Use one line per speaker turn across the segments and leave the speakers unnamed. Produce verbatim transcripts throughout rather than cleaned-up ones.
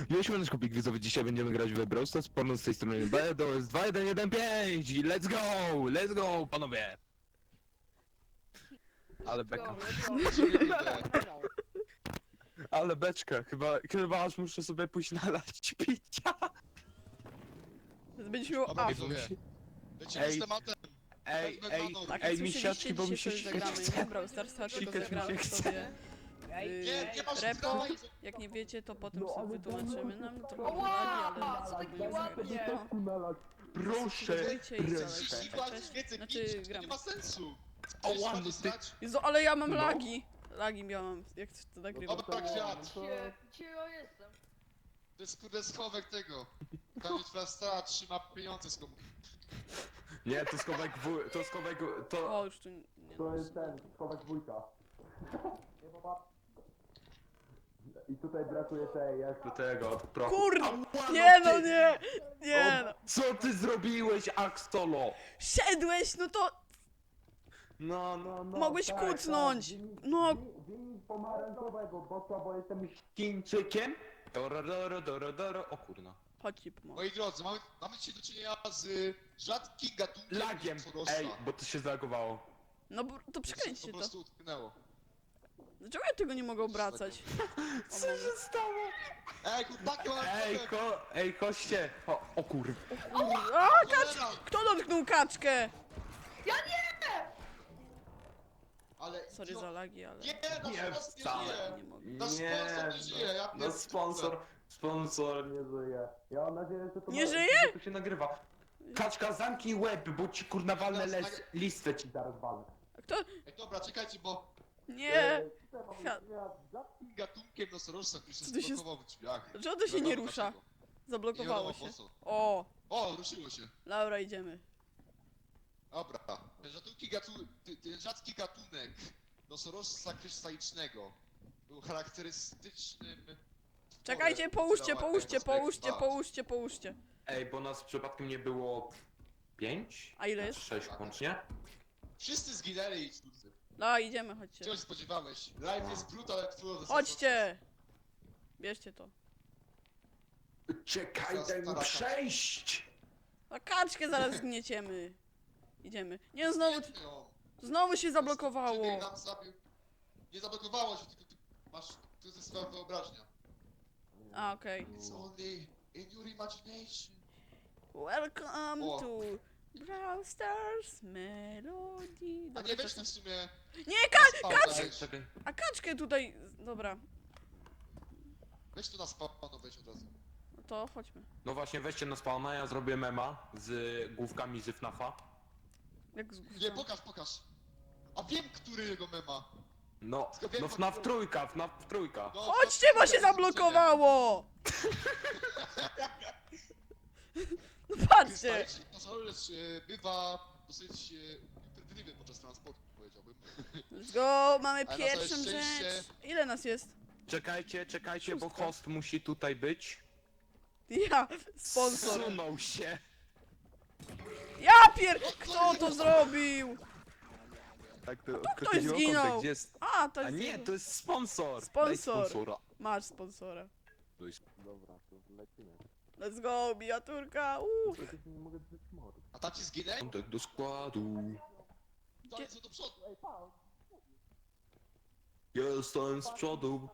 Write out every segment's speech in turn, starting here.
Mieliśmy nasz kubik widzowy, dzisiaj będziemy grać w Brawl Stars, porno z tej strony B, to jest dwa jeden jeden pięć i let's go, let's go, panowie! Ale beka, ale beczka, chyba, chyba aż muszę sobie pójść nalać picia.
Będziesz miał
Dobra,
A.
widzowie. Lecimy
Ej.
z tematem.
Ej, ej,
Tak,
ej,
jak
mi
słyszeliście,
siaczki, bo mi
dzisiaj
się
sobie zagramy,
chce.
nie? Brawl Stars, tylko
Sikać mi
zagramy
się chce.
sobie
Nie,
yy,
nie masz
repo.
prawa i-
Jak nie wiecie, to potem
No,
sobie
ale
wytłumaczymy nam trochę
Ała!
lagi, ale
Co taki
spróbujemy
ładnie?
zagrać. No.
Proszę,
Subskrybujcie i
proszę.
trzydzieści
dalej.
dwa
Cześć.
więcej
Znaczy,
pić, to
gramy.
nie ma sensu.
O,
Chcesz
ładny
bardziej
ty-
znać?
Jezu, ale ja mam
No.
lagi. Lagi miałam, jak to nagrywam.
Dobra, kwiat.
Gdzie, gdzie ja jestem?
To jest kurde schowek tego. Tam twoja stara trzyma pieniądze z komu.
Nie, to skowek wuj, to skowek, to...
O, już tu nie...
To jest ten, skowek wujka. I tutaj brakuje tej, jak do tego, prochu.
Kurde!
Ała,
Nie no,
ty-
nie! Nie no!
O, co ty zrobiłeś, Axolo?
Siedłeś, no to
No, no, no.
mogłeś
tak,
kucnąć!
tak. Wynik-
No,
wynik- Wynik pomarańczowego, bo co, bo jestem Chińczykiem? Doro, doro, doro, doro, o kurna.
chodź ci pomogę.
Moi drodzy, mamy, mamy dzisiaj do czynienia z y, rzadkim gatunkiem
Lagiem,
Sorosa.
ej, bo to się zalagowało.
No bo to przekręćcie
Po
to.
prostu utknęło.
Dlaczego ja tego nie mogę obracać?
Co się stało?
Ej, chłopaki, mamy
Ej,
problem.
ko, ej, koście. O, o kur...
A, kacz!
Cholera!
Kto dotknął kaczkę?
Ja nie!
Ale...
Sorry
no,
za lagi, ale...
Nie, nasz
Nie,
sponsor nie
wcale.
żyje.
Nie mogę.
Nasz sponsor nie żyje, ja
no
pierdolę.
sponsor, sponsor nie żyje. Ja mam nadzieję, że to
Nie
ma-
żyje?
że to się nagrywa. Kaczka, zamknij łeb, bo ci kurna walnę
Teraz
les, listę ci zaraz walnę.
A kto?
Ej, dobra, czekajcie, bo
Nie! Kwiat.
rzadkim gatunkiem nosorożca, który się
Co ty się
zblokował w drzwiach.
Dlaczego to się nie
Wiadomo
rusza?
dlaczego.
Zablokowało
Nie
się.
wiadomo po co.
O!
O, ruszyło się.
Laura, idziemy.
Dobra. Ten rzadki, gatu... ty- ten rzadki gatunek nosorożca krystalicznego był charakterystycznym...
Czekajcie,
tworem
połóżcie,
ciała
połóżcie,
Ecospex
połóżcie,
dwa.
połóżcie, połóżcie.
Ej, bo nas przypadkiem nie było... Pięć?
A ile jest?
Sześć łącznie?
Wszyscy zginęli, cudzy.
No, idziemy, chodźcie.
Czego się spodziewałeś? Life jest brutal, ale twój
Chodźcie! Bierzcie to.
Czekaj, daj mi przejść!
A kaczkę zaraz zgnieciemy. Idziemy. Nie, znowu,
No.
znowu się zablokowało.
Czekaj, nam zabił. Nie zablokowało się, tylko ty masz... To jest swoja wyobraźnia.
A, okej.
It's only in your imagination.
Welcome
O.
to Brawl Stars Melody.
A
Dobra,
nie weź
czasem-
w sumie...
Nie, ka
Kacz!
Czekaj, czekaj.
a kaczkę tutaj... Dobra,
Weź tu na spawno, weź od razu.
no to chodźmy.
No właśnie, weźcie na spawna, ja zrobię mema z główkami z FNAFa.
Jak z
Nie, pokaż, pokaż. A wiem, który jego mema.
No, no FNAF trójka, FNAF trójka.
No,
Chodźcie, bo się zablokowało! No patrzcie!
Krystaliczny nosorożec e, bywa dosyć e, imprydliwy podczas transportu, powiedziałbym.
Let's go, mamy
Ale na całe
pierwszą
szczęście-
rzecz. Ile nas jest?
Czekajcie, czekajcie, bo
Szóstka.
host musi tutaj być.
Ja, sponsor.
Zsunął się.
Ja pier... Kto to zrobił?
Tak, to,
ktoś zginął.
Gdzie jest...
A, to
A
jest...
nie, to jest sponsor.
Sponsor.
Daj sponsora.
Masz sponsora.
To jest... Dobra, to lecimy.
Let's go, miniaturka. Uuu.
Nie mogę drzeć mord.
A tam ci zginęli?
Kontakt do składu.
Dalej co do przodu.
Jestem z przodu.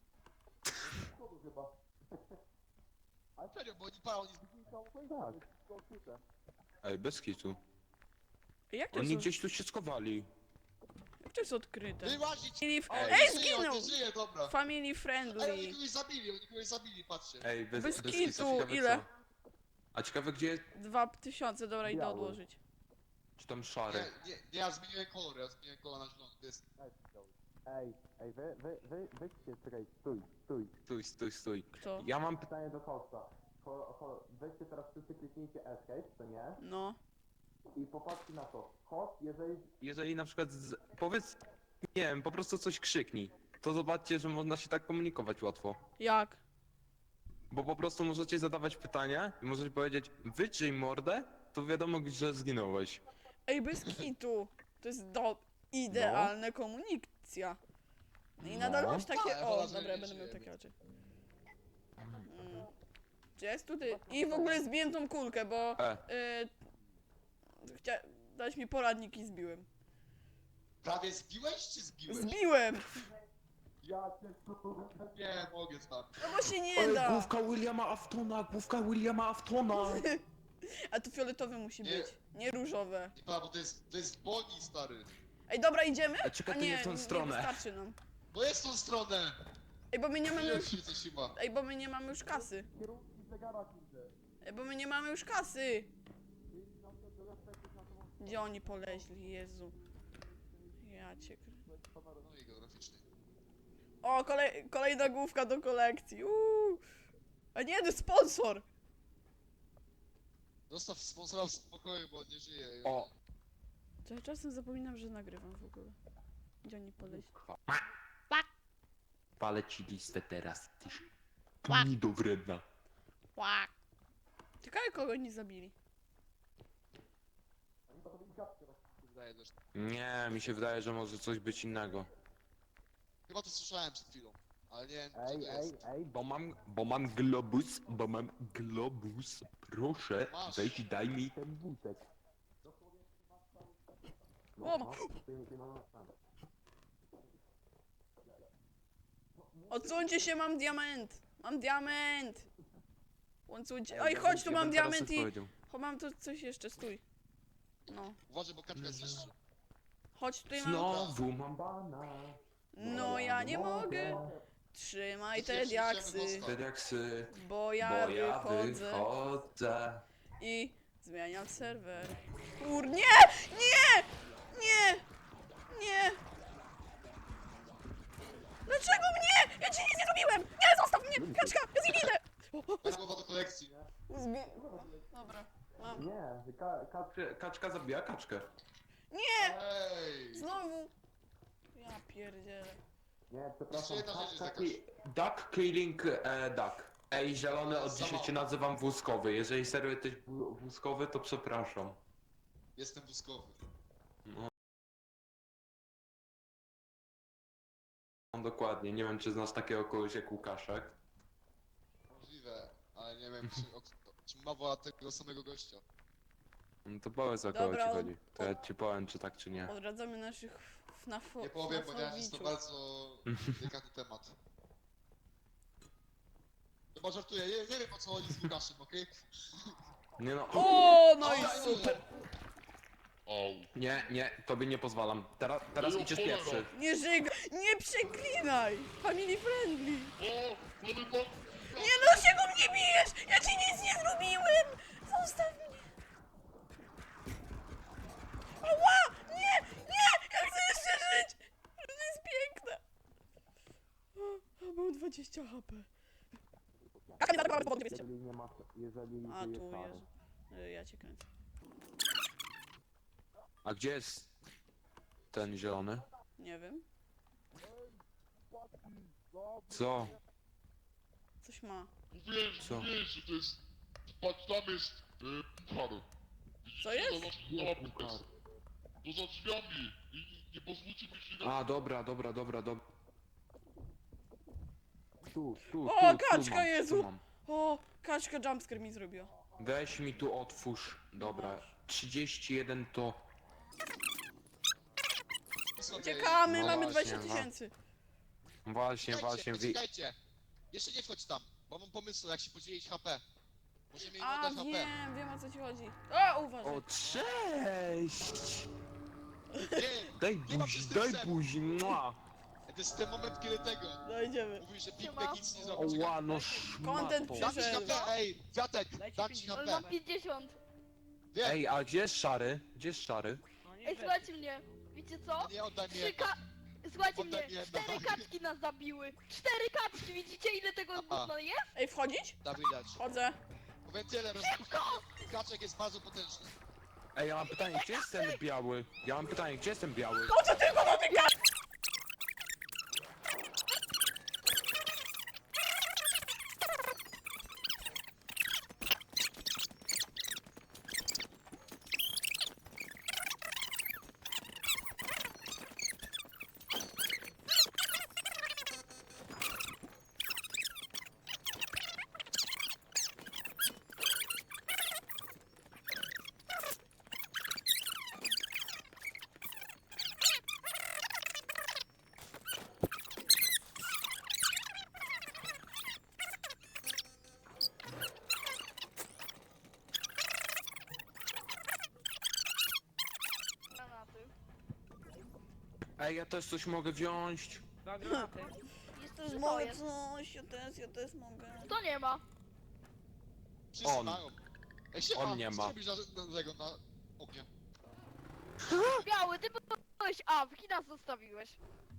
Serio, bo oni palą, oni...
Tak. Ej, bez kitu.
Ej, Jak to
Oni
jest,
gdzieś tu się schowali.
jak to jest odkryte?
Wyłazić!
Family f-
Ej,
Ej,
nie żyje,
zginął!
on nie żyje, dobra.
Family
Ej, oni
friendly.
kogoś zabili, oni kogoś zabili, patrzcie.
Ej, bez,
Bez
bez
kitu,
kitu, ciekawe
ile?
co. A ciekawe gdzie...
Dwa tysiące, dobra, idę
Biały.
odłożyć.
Czy tam szary?
Nie, nie, nie, ja zmieniłem kolor, ja zmieniłem kolor na zielony, to jest...
Ej, ej, wy, wy, wy, weźcie, czekaj, stój, stój. Stój, stój, stój.
Kto?
Ja mam pytanie do hosta. Ho, ho, weźcie teraz wszyscy kliknijcie escape, to nie?
No.
I popatrzcie na to. Host, jeżeli... Jeżeli na przykład, z, powiedz, nie wiem, po prostu coś krzyknij. To zobaczcie, że można się tak komunikować łatwo.
Jak?
Bo po prostu możecie zadawać pytania i możecie powiedzieć, wytrzyj mordę, to wiadomo, że zginąłeś.
Ej, bez kitu. To jest do... idealna komunikacja. No i nadal
No.
masz takie...
Ale
O,
wolę, że
dobra,
nie
będę miał
żyje,
takie
więc-
oczy. Mm. Czy jest tutaj? I w ogóle zbiłem tą kulkę, bo...
E,
Yy, chcia... Dać mi poradnik i zbiłem.
Prawie zbiłeś czy zbiłeś?
Zbiłem!
Ja cię nie mogę z wami.
No bo się nie
Ej,
da!
główka Williama Aftona, główka Williama Aftona.
A to fioletowe musi
Nie.
być, nie różowe.
Nie pa, bo to jest, to jest Boni, stary.
Ej, dobra, idziemy?
A czekaj,
A
to
nie,
nie w tą
nie
stronę.
wystarczy nam.
No jest tą stronę!
Ej, bo my nie mamy
Nie
już...
wiem, co się ma.
Ej, bo my nie mamy już kasy. Ej, bo my nie mamy już kasy. Gdzie oni poleźli, Jezu. Ja cię... krę-
No i geograficzny.
O, kolej... kolejna główka do kolekcji. Uuu. A nie, to jest sponsor.
Zostaw sponsora w spokoju, bo on nie żyje.
O,
To ja czasem zapominam, że nagrywam w ogóle. Gdzie oni poleźli?
palę ci listę teraz, ty
Łak.
gnido wredna.
Łak. Ciekawe, kogo oni zabili.
Wydaje też.
Nie, mi się wydaje, że może coś być innego.
Chyba to słyszałem przed chwilą, ale nie wiem, co to
Ej, ej,
jest.
ej, bo mam, bo mam globus, bo mam globus. Proszę,
Masz.
weź i daj mi ten wózek.
O, ma- Odsuńcie się, mam diament! Mam diament! Odsuńcie. Oj, chodź, tu mam diament i... Cho, mam tu coś jeszcze, stój. No.
Uważaj, bo kaczka jest jeszcze.
Chodź, tutaj mam...
Znowu mam bana.
No ja nie mogę. Trzymaj te diaksy,
Te diaksy,
bo ja
bo ja
wychodzę
wychodzę.
i zmieniam serwer. Kur... Nie! Nie! Nie! Nie! Dlaczego mnie? Ja ci nic nie zrobiłem! Nie, zostaw mnie! Kaczka, ja z nim idę!
Bez głowa do kolekcji, nie?
Zbi... Dobra, mam.
Nie, ka kaczkę, kaczka zabija kaczkę.
Nie!
Ej!
Znowu! Ja pierdzielę.
Nie,
Jeszcze jedna rzecz jest
Kaczka
jakaś.
ki- Duck killing e, duck. Ej, zielony, od dzisiaj cię nazywam wózkowy. Jeżeli serio jesteś wó- wózkowy, to przepraszam.
Jestem wózkowy.
No. Dokładnie, nie wiem czy znasz takiego kogoś jak Łukaszek.
Możliwe, ale nie wiem, czy, o, czy mowa tego samego gościa.
No to powiedz o kogo
Dobra,
ci
od-
chodzi. To ja ci powiem czy tak czy nie.
Odradzamy naszych fnafo...
Nie powiem, ponieważ jest to
fnafowiczów.
bardzo delikatny temat. Chyba żartuję, nie, nie wiem o co chodzi z Łukaszem, okej?
Nie no.
O, no i
Oj,
super!
Nie, nie, tobie nie pozwalam. Teraz, teraz idziesz pierwszy.
Nie żyg... Nie przeklinaj! Family friendly! Nie, no się go mnie bijesz! Ja ci nic nie zrobiłem! Zostaw mnie! Ała! Nie! Nie! Ja chcę jeszcze żyć! Życie jest piękne! O, mam dwadzieścia H P.
Jeżeli nie masz, jeżeli
A tu jest. Y, Ja cię kręcę.
A gdzie jest ten zielony?
Nie wiem.
Co?
Coś ma.
Mówiłem,
Co?
mówiłem, że to jest... Patrz, tam jest e, puchar. Widzicie,
Co jest?
To za, puchar. To za drzwiami. I nie, nie pozwólcie mi się na...
A, dobra, dobra, dobra, dobra. Tu, tu,
O,
tu, tu
kaczka,
mam,
Jezu!
tu mam.
O, kaczka jumpscare mi zrobiła.
Weź mi tu otwórz. Dobra, trzydzieści jeden to...
Uciekamy,
No
mamy
właśnie,
dwadzieścia
no.
tysięcy.
Właśnie, właśnie,
Czekajcie,
wi...
czekajcie! Jeszcze nie wchodź tam, bo mam pomysł jak się podzielić H P. Możemy im
A,
oddać H P.
wiem, wiem o co ci chodzi. O, uważaj.
O, cześć!
Nie,
Daj
Nie ma
buzi, daj
przestępstwa.
buzi, mua!
to jest ten moment, kiedy tego.
Dojdziemy.
Mówi, że Big
Siema.
Mac nic nie zrobi.
Oła, no
Content
szmato.
Dam ci
przyszedł.
H P, ej, Wiatek, dam ci
Ale
H P.
mam pięćdziesiąt.
Wiem,
Ej, a gdzie jest szary? Gdzie jest szary?
Ej, słuchajcie mnie. Wiecie co?
nie oddaj mi
Trzy
jedno.
ka... Słuchajcie
Oddaj
mnie,
mi jedno.
cztery kaczki nas zabiły. Cztery kaczki, widzicie ile tego gówna jest?
Ej, wchodzić?
Da widać.
Chodzę.
Powiem tyle, roz... Kaczek jest bardzo potężny.
Ej, ja mam pytanie, gdzie jest ten biały? Ja mam pytanie, gdzie jest ten biały?
Po co tylko dotykasz?
Ej, ja też coś mogę wziąć.
Dwa granaty.
Jest
Też
to
mogę
jest.
coś, ja też, ja też mogę.
To nie ma.
Wszyscy
On.
mają. Ej, siema,
On nie
co
ma.
robisz na, na tego, na ognie?
Biały, ty byłeś A, w nas zostawiłeś.